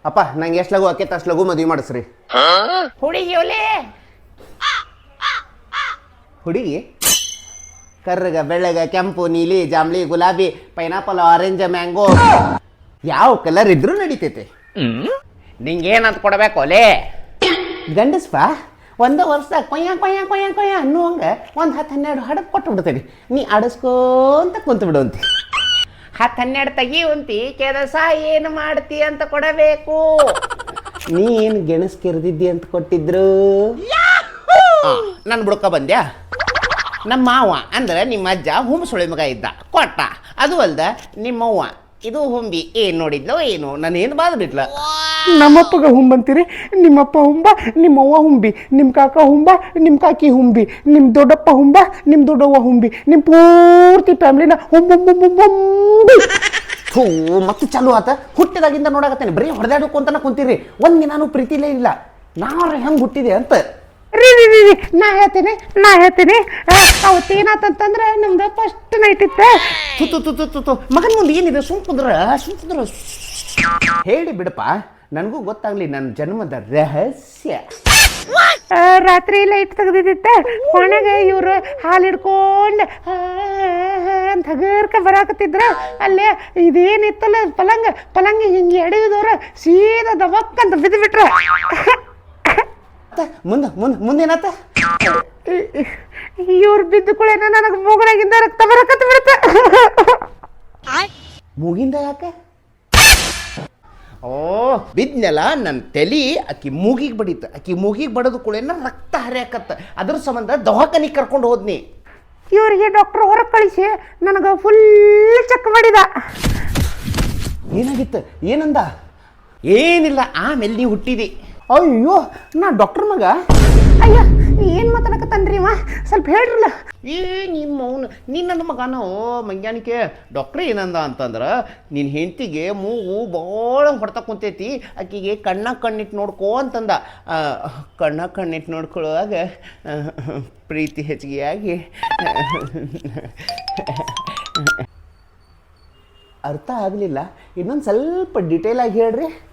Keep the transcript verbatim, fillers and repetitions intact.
ಅಪ್ಪ ನಂಗೆ ಎಷ್ಟು ಲಗು ಆಕೈತೆ ಅಷ್ಟು ಲಗು ಮದುವೆ ಮಾಡಿಸ್ರಿ. ಹುಡುಗಿ ಒಲೆ ಹುಡುಗಿ ಕರ್ರಗ ಬೆಳ್ಳಗ ಕೆಂಪು ನೀಲಿ ಜಾಂಬ್ಲಿ ಗುಲಾಬಿ ಪೈನಾಪಲ್ ಆರೆಂಜ್ ಮ್ಯಾಂಗೋ ಯಾವ ಕಲರ್ ಇದ್ರೂ ನಡೀತೈತೆ. ನಿಂಗೇನಂತ ಕೊಡ್ಬೇಕು ಒಲೆ? ಗಂಡಸ್ಪ ಒಂದೇ ವರ್ಷದಾಗ ಕೊಯ್ಯ ಕೊಯ್ಯ ಕೊಯ್ಯ ಕೊಯ್ಯ ಅನ್ನುವಂಗ ಒಂದು ಹತ್ತು ಹನ್ನೆರಡು ಹಡಕ್ ಕೊಟ್ಟು ಬಿಡ್ತೇನೆ. ನೀ ಆಡಿಸ್ಕೊಂತ ಕುಂತು ಬಿಡುವಂತಿ. ಹತ್ತು ಹನ್ನೆರಡು ತೆಗಿಯುವಂತಿ ಕೆಲಸ ಏನು ಮಾಡ್ತಿ ಅಂತ ಕೊಡಬೇಕು. ನೀ ಏನು ಗೆಣಸ್ ಕೆರೆದಿದ್ದಿ ಅಂತ ಕೊಟ್ಟಿದ್ರು. ನನ್ನ ಬುಡ್ಕ ಬಂದ್ಯಾ? ನಮ್ಮ ಮಾವ ಅಂದ್ರೆ ನಿಮ್ಮ ಅಜ್ಜ ಹುಂಬ ಸುಳಿ ಮಗ ಇದ್ದ ಕೊಟ್ಟ. ಅದು ಅಲ್ದ ನಿಮ್ಮವ್ವ ಇದು ಹುಂಬಿ ಏನ್ ನೋಡಿದ್ಲೋ ಏನು ನಾನೇನು ಬಾದ್ ಬಿಟ್ಲ. ನಮ್ಮಪ್ಪಗ ಹುಂಬಂತೀರಿ, ನಿಮ್ಮಪ್ಪ ಹುಂಬ, ನಿಮ್ಮವ್ವ ಹುಂಬಿ, ನಿಮ್ಮ ಕಾಕ ಹುಂಬ, ನಿಮ್ಮ ಕಾಕಿ ಹುಂಬಿ, ನಿಮ್ಮ ದೊಡ್ಡಪ್ಪ ಹುಂಬ, ನಿಮ್ಮ ದೊಡ್ಡವ್ವ ಹುಂಬಿ, ನಿಮ್ಮ ಪೂರ್ತಿ ಫ್ಯಾಮ್ಲಿನ ಹುಂಬಿ. ಥೂ ಮತ್ತೆ ಚಾಲು ಆತ. ಹುಟ್ಟಿದಾಗಿಂದ ನೋಡಾಕತ್ತೇನೆ ಬರೀ ಹೊಡೆದಾಡ್ಕೊಂತನ ಕುಂತೀರಿ. ಒಂದ್ ದಿನಾನು ಪ್ರೀತಿಲೇ ಇಲ್ಲ. ನಾವ್ರ ಹೆಂಗ್ ಹುಟ್ಟಿದೆ ಅಂತ. ರೀ ರೀ ರೀ ನಾ ಹೇಳ್ತೀನಿ ನಾ ಹೇಳ್ತೀನಿ ಅವತ್ತು ಏನಾತಂತಂದ್ರೆ ನಮ್ದು ಫಸ್ಟ್ ನೈಟ್ ಇತ್ತು. ತು ತು ತು ತು ತು ಮಗನ ಮುಂದೆ ಏನಿದೆ ಸುಮ್ ಕುಂದ್ರ ಸುಮ್ ಕುಂದ್ರ ಹೇಳಿ ಬಿಡಪ್ಪ, ನನಗೂ ಗೊತ್ತಾಗ್ಲಿ ನನ್ನ ಜನ್ಮದ ರಹಸ್ಯ. ರಾತ್ರಿ ಲೈಟ್ ತೆಗ್ದಿದ್ದಿತ್ತ ಕೊನೆಗೆ ಇವರು ಹಾಲು ಹಿಡ್ಕೊಂಡು ಅಂತ ಹಗರ್ಕ ಬರಾಕತ್ತಿದ್ರ. ಅಲ್ಲೇ ಇದೇನಿತ್ತಲ್ಲ ಪಲಂಗ ಪಲಂಗ ಹಿಂಗೆ ಎಡೆಯುದವ್ರ ಸೀದಾ ದಬಕ್ಕಂತ ಬಿದ್ದು ಬಿಟ್ರ. ಮುಂದ ಮುಂದ ಮುಂದೇನಾತ? ಇವ್ರು ಬಿದ್ದು ಕುಳೇನ ನನಗೆ ಮೂಗಲಾಗಿಂದ ರಕ್ತ ಬರಕತ್ತ ಬಿಡುತ್ತೆ. ಮೂಗಿಂದ ಯಾಕೆ? ಓ ಬಿದ್ನೆಲ್ಲ ನನ್ನ ತಲಿ ಅಕ್ಕಿ ಮೂಗಿಗೆ ಬಡಿತ. ಅಕ್ಕಿ ಮೂಗಿಗೆ ಬಡದು ಕುಳೇನ ರಕ್ತ ಹರಿಯಾಕತ್ತ. ಅದ್ರ ಸಂಬಂಧ ದವಾಖಾನಿಗೆ ಕರ್ಕೊಂಡು ಹೋದ್ನಿ. ಇವರಿಗೆ ಡಾಕ್ಟರ್ ಹೊರಗೆ ಕಳಿಸಿ ನನಗೆ ಫುಲ್ ಚೆಕ್ ಮಾಡಿದ. ಏನಾಗಿತ್ತು? ಏನಂದ? ಏನಿಲ್ಲ, ಆಮೇಲೆ ನೀವು ಹುಟ್ಟಿದಿ. ಅಯ್ಯೋ ನಾ ಡಾಕ್ಟರ್ ಮಗ. ಅಯ್ಯ ಏನು ಮಾತಾಡಕತ್ತನ್ರಿ ಅವ, ಸ್ವಲ್ಪ ಹೇಳ್ರಲ್ಲ. ಏ ನಿಮ್ಮ ಅವನು ನಿನ್ನ ಮಗನೋ ಮಂಗ್ಯಾನಿಕೆ. ಡಾಕ್ಟ್ರ್ ಏನಂದ ಅಂತಂದ್ರೆ ನಿನ್ನ ಹೆಂಡತಿಗೆ ಮೂಗು ಭಾಳ ಹೊಡ್ತಾ ಕುಂತೈತಿ, ಆಕಿಗೆ ಕಣ್ಣ ಕಣ್ಣಿಟ್ಟು ನೋಡ್ಕೋ ಅಂತಂದ. ಕಣ್ಣ ಕಣ್ಣಿಟ್ಟು ನೋಡ್ಕೊಳ್ಳುವಾಗ ಪ್ರೀತಿ ಹೆಚ್ಚಿಗೆ ಆಗಿ ಅರ್ಥ ಆಗಲಿಲ್ಲ. ಇನ್ನೊಂದು ಸ್ವಲ್ಪ ಡಿಟೇಲ್ ಆಗಿ ಹೇಳ್ರಿ.